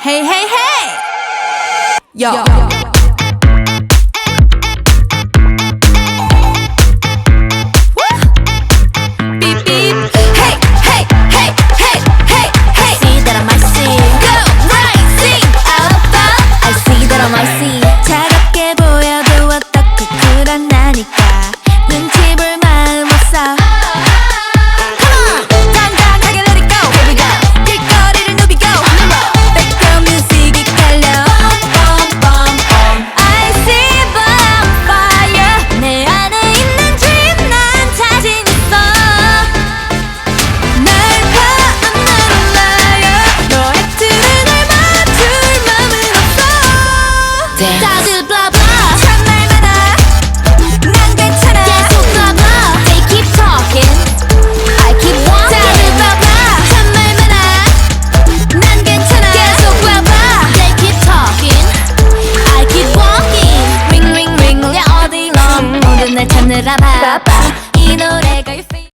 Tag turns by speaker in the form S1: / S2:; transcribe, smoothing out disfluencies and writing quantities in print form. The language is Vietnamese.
S1: Hey, hey, hey! Yo. Beep, beep. Hey, hey, hey, hey, hey, hey.
S2: See that I might see.
S1: Go, rising above.
S2: I see that I might see.
S1: 차갑게 보여도 어떻게 그런다니까 눈치 볼 마음 없어. Come on, 당당하게 let it go. Here we go. 길거리를 누비고 background music이 깔려. I see bonfire. 내 안에 있는 dream 난 자신 있어. 날 봐, I'm not a liar. 너의 틀에 날 맞출 맘은 없어. 다들 blah blah 참말 많아. 난 괜찮아.
S2: 계속 blah blah. They keep talking. I keep walking.
S1: 다들 blah blah 참말 많아. 난 괜찮아. 계속 blah blah.
S2: They keep talking. I keep walking.
S1: Ring ring ring 울려 all day long. 모든 날 찾느라 바빠. 이 노래가